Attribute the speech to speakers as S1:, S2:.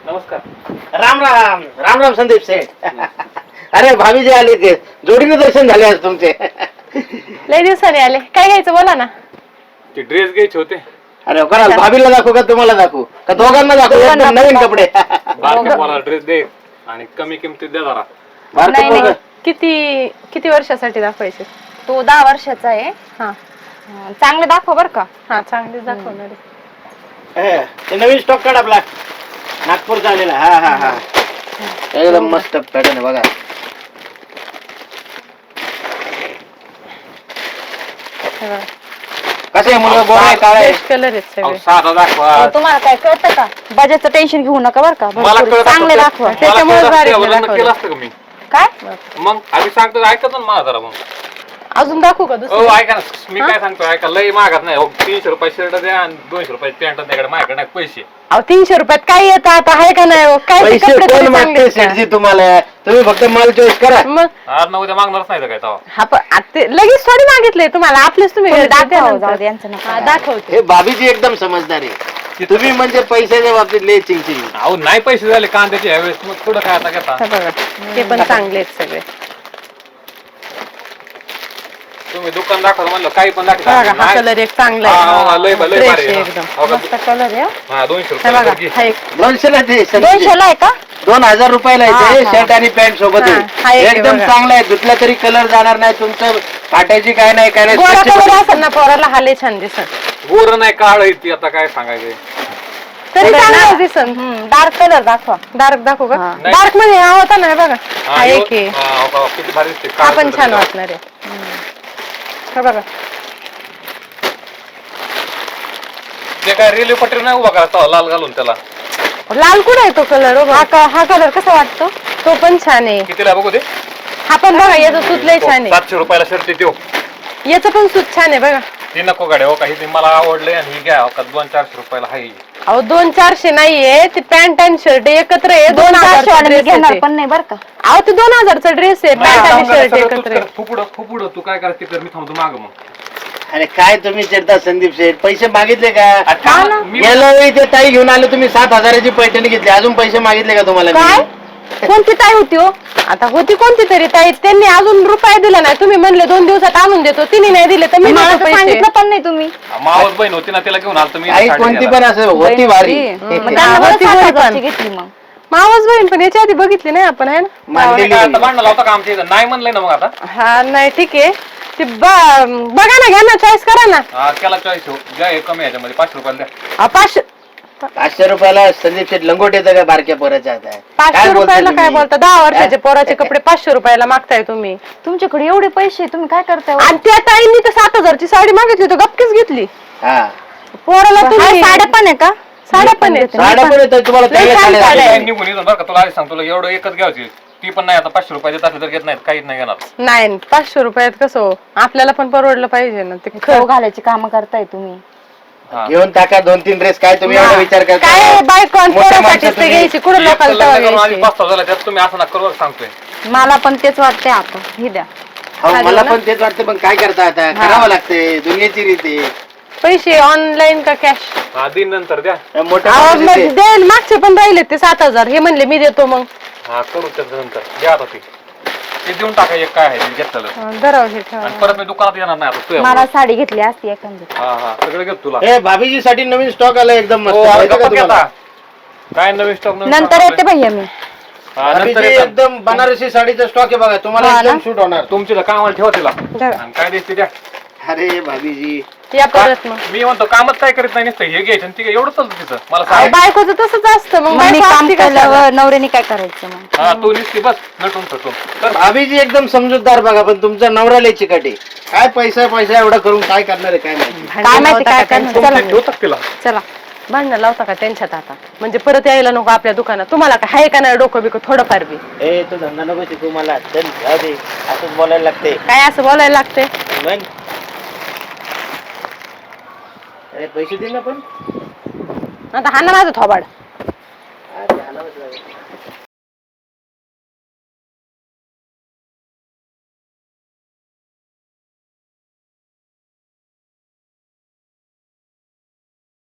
S1: नमस्कार.
S2: राम राम राम राम संदीप सेठ. अरे भाभी जे आले ते जोडीने दर्शन झाले आज तुमचे.
S3: लय दिवसाने आले. काय घ्यायचं बोला ना.
S1: ते ड्रेस घ्यायचे होते.
S2: अरे कोणाला भाभीला दाखवू का तुम्हाला दाखवू का दोघांना दाखवू? एकदम नवीन कपडे.
S1: बारक्या मला ड्रेस दे आणि कमी किमतीत द्या जरा.
S2: बारकं पोरगं.
S3: किती किती वर्षासाठी दाखवायचे?
S4: तो 10 वर्षाचा आहे.
S3: हा
S4: चांगले दाखव बर का.
S3: हा चांगलीच दाखवणार आहे.
S2: ते नवीन स्टॉक काढ आपला नागपूरचा आलेला. हा हा हा एकदम मस्त पॅटर्न आहे बघा.
S3: हे बघा.
S2: कसे मुलगा गोरा आहे काळा आहे?
S3: बेस्ट कलर आहेत सगळे.
S1: साधा दाखवा.
S4: तुम्हाला काय कळतं का? बजेटचं टेन्शन घेऊ नका बर का.
S1: मला
S4: भरपूर
S1: कळत
S4: चांगले दाखवा.
S3: त्याच्यामुळे भारी
S1: केलं असतं का मी?
S4: काय
S1: मग आम्ही सांगतो ऐकत ना मला जरा. मग
S3: अजून दाखवू का
S1: हो
S3: दुसरं?
S1: ऐका ना, मी काय सांगतो ऐका, लय मागत नाही. 300 रुपये शर्ट द्या आणि 200 रुपये पॅन्ट द्या. माझ्याकडे नाही पैसे.
S3: अहो 300 रुपयात काय येतं आता? आहे का नाही हो? काय ते
S2: पैसे
S3: कपडे
S2: कोण
S3: तरी
S2: मागते
S3: चांगले आहेत का?
S2: सेठजी तुम्हाला? तुम्ही फक्त माल चॉईस करा.
S3: मग
S1: आज ना उद्या मागणारच नाही तर काय तेव्हा.
S3: हा पण आता लगेच थोडी मागितलंय तुम्हाला. आपलेच तुम्ही घरी
S4: दाखवा,
S3: दाखवा
S4: जाऊ दे, यांचं नका.
S3: हा, दाखवते.
S2: हे भाभीजी एकदम समजदार आहे. तुम्ही म्हणजे पैशाच्या बाबतीत लय चिंचिंग.
S1: अहो नाही पैसे झाले कांद्याचे यावेळेस, मग थोडं काय आता घेता.
S3: हे बघा ते पण चांगले आहेत सगळे.
S1: तुम्ही दुकान दाखवा म्हणलं काही पण
S3: बघा हा
S1: दाखवा.
S3: कलर एक चांगला
S1: हा, लय
S3: आहे.
S1: भारी
S3: Fresh
S1: आहे.
S3: आहे एकदम.
S1: हो का?
S4: मस्त कलर आहे.
S1: हा 200
S3: हे बघा
S1: रुपये.
S3: हा एक
S2: 200 ला ते
S4: 200 ला आहे का?
S2: 2000 रुपयाला येते
S4: हा.
S2: शर्ट आणि पॅन्ट सोबत
S3: हा, हा एक आहे
S2: एकदम
S3: बघा.
S2: चांगला आहे. धुतला तरी कलर जाणार नाही तुमचं. फाटायची काय नाही काय नाही.
S3: गोरा
S2: स्वच्छ
S3: कलर असेल ना पोराला हा लय छान दिसत.
S1: गोर नाही काळ आहे ती, आता काय सांगायचं.
S3: तरी
S4: थोडं
S3: चांगलं
S4: ना.
S3: दिसन.
S4: डार्क कलर दाखवा.
S3: डार्क दाखवू का?
S4: हा.
S3: डार्क मध्ये हा होता ना हे बघा
S1: हा,
S3: हा
S1: यो-
S3: एक आहे.
S1: हा, हो का? किती भारी दिसते.
S3: हा
S1: काळं
S3: पण
S1: कलर
S3: छान
S1: आहे.
S3: वाटणार आहे. हे बघा
S1: ते काय रेल्वे पटरी नाही उभा करा लाल घालून त्याला.
S3: लाल कुठं आहे तो कलर?
S4: हा कलर कसा वाटतो?
S3: तो पण छान आहे.
S1: कितीला बघू दे.
S3: हा पण बघा याचं सूत लय छान आहे.
S1: 700 रुपयाला शर्ट देऊ.
S3: याचं पण सूत छान आहे बघा.
S1: ती नको गाडी हो काही, मला आवडले आणि ही घ्या हो का 200-400 रुपयाला हाय.
S3: अहो 200-400 नाहीये ते पॅन्ट आणि शर्ट एकत्र आहे.
S4: 2000 वाले मी
S3: 2000
S4: घेणार
S3: ड्रेस
S4: पण नाही बर का.
S3: अहो ते 2000चा ड्रेस आहे. पॅन्ट आणि शर्ट एकत्र आहे.
S1: फुपुड तू काय करायचं ते कर, मी थांबतो माग मग.
S2: अरे काय तुम्ही चिडता संदीप शेठ? पैसे मागितले का?
S1: मी
S2: गेल्या वेळी ते ताई घेऊन आले तुम्ही 7,000ची पैठणी घेतली. अजून पैसे मागितले का तुम्हाला?
S4: काय? कोणती ताई होती हो?
S3: आता होती कोणती तरी ताई, त्यांनी अजून रुपये दिला नाही. तुम्ही म्हणले 2 दिवसात आणून देतो, तिने नाही दिले तर मी
S4: मला
S3: देतो
S4: तर
S3: पैसे.
S4: सांगितलं पण नाही तुम्ही.
S1: मावस बहीण होती ना, तिला घेऊन आलतो मी.
S2: आई कोणती पण असं होती भारी.
S4: मग त्यांना बरं
S3: होती
S4: 7,000
S3: पण.
S4: ची घेतली मग.
S3: मावस बहीण पण याच्या आधी बघितली नाही आपण आहे ना?
S2: मानलेली
S1: आता भांडण लावता का आमच्या इथं? नाही म्हणलंय ना मग आता.
S3: हा नाही ठीक आहे. ते बघा ना, घ्या ना, चॉईस करा ना.
S1: हा, केला चॉईस हो. घ्या हे कमी ह्याच्यामध्ये 500 रुपयाला द्या.
S2: 500 रुपयाला संदीप शेठ लंगोट येतं का बारक्या पोराच्या हातात? काय
S3: 500
S2: बोलताय
S3: रुपयाला काय
S2: तुम्ही?
S3: बोलता? 10 वर्षाचे पोराचे कपडे 500 रुपयाला मागताय तुम्ही.
S4: तुमच्याकडे एवढे पैसे तुम्ही काय करताय हो?
S3: आणि त्या ताईंनी तर 7,000ची साडी मागितली तर गपकीच घेतली.
S2: हा
S3: पोराला
S4: हाय,
S3: तुम्ही
S4: साड्या पण आहे का?
S3: साड्या पण आहेत.
S2: साड्या पण येतात तुम्हाला
S3: लय
S2: चांगल्या
S3: छान
S2: साड्या
S3: साड्या
S2: आहेत.
S3: आहे.
S1: निघून येतो बरं का, तुला आधी सांगतो, तुला एवढं एकच घ्यायची. ती पण नाही आता 500 रुपये देत असले तर घेत नाहीत, काहीच नाही घेणार.
S3: नाही 500 रुपयात कसं हो? आपल्याला पण परवडलं पाहिजे ना ते.
S4: खाऊ घालायची काम करताय तुम्ही.
S1: हा.
S2: घेऊन टाका 2-3 ड्रेस. काय तुम्ही एवढा विचार करता?
S3: काय बायको आणि
S2: मोठ्या
S3: पोरासाठीच
S2: माणसात
S3: ते घ्यायची. कुठं
S1: एक
S3: लोकांना
S1: लग्न करून
S3: तेव्हा
S1: आधी
S3: घ्यायची.
S1: पस्तावा झाला त्यात तुम्ही असं नका करू बरं सांगतोय.
S4: मला पण तेच वाटतंय आता. हे द्या.
S2: हो, मला
S3: ना?
S2: पण तेच वाटतं पण काय करता आता? करावं लागते दुनियेची रीती.
S3: पैसे ऑनलाईन का कॅश?
S1: हा, दिन नंतर द्या.
S2: मोठ्या माणसाचे ते.
S3: देईल. मागचे पण राहिले ते 7,000. हे म्हणले मी देतो मग.
S1: हा, करू त्याच्या नंतर द्या आता ते देऊन टाका. एक काय आहे ते घेतलेलं.
S3: धराव हे ठेवा.
S1: आणि परत मी दुकानात येणार नाही आता
S4: मला साडी घेतली असती एखादी.
S1: हा हा, सगळं घेतो तुला.
S2: हे भाभीजी साठी नवीन स्टॉक आला एकदम मस्त.
S1: हो, आता
S2: माहिती का
S1: गप्पा
S2: तुम्हाला?
S1: घेता. काय नवीन स्टॉक
S4: नंतर येते भैया मी.
S2: भाभीजी एकदम बनारसी साडीचा स्टॉक आहे बघा. तुम्हाला
S4: हा
S2: एकदम
S4: ना?
S2: सूट होणार.
S1: तुमची कामाला ठेवा तिला.
S3: धरा.
S1: आणि काय द्यायची द्या.
S2: अरे भाभीजी
S3: या परत मग.
S1: मी म्हणतो कामच काय करीत नाही नुसतं हे घ्यायचं आणि ते एवढं चालतं तिथं मला
S3: अहो,
S1: सांग.
S3: बायकोचं तसंच असतं मग.
S4: मग मी
S3: बायको
S4: काम
S3: असती कशाला?
S4: केल्यावर नवऱ्याने काय करायचं मग?
S1: हा, तू नुसती बस नटून थटून तर.
S2: भाभीजी एकदम समजूतदार बघा. पण तुमचा नवरा लय चिकाटी. काय पैसा पैसा एवढा करून काय करणार आहे काय माहिती?
S4: काय माहिती काय करणार?
S1: तुमचे
S4: चला.
S1: ठेवतात तिला.
S3: चला भांडणं लावता का त्यांच्यात आता? म्हणजे परत यायला नको आपल्या दुकानात. तुम्हाला काय आहे का नाही डोकं बिकं थोडंफार बी?
S2: ए तू धंदा नको शिकू मला. चल जाऊ दे. असंच बोलायला लागते.
S3: काय असं बोलायला लागते?
S2: मग अरे पैसे दे ना पण.
S3: आता हा ना माझं थोबाड.
S2: अरे, आणावंच लागेल.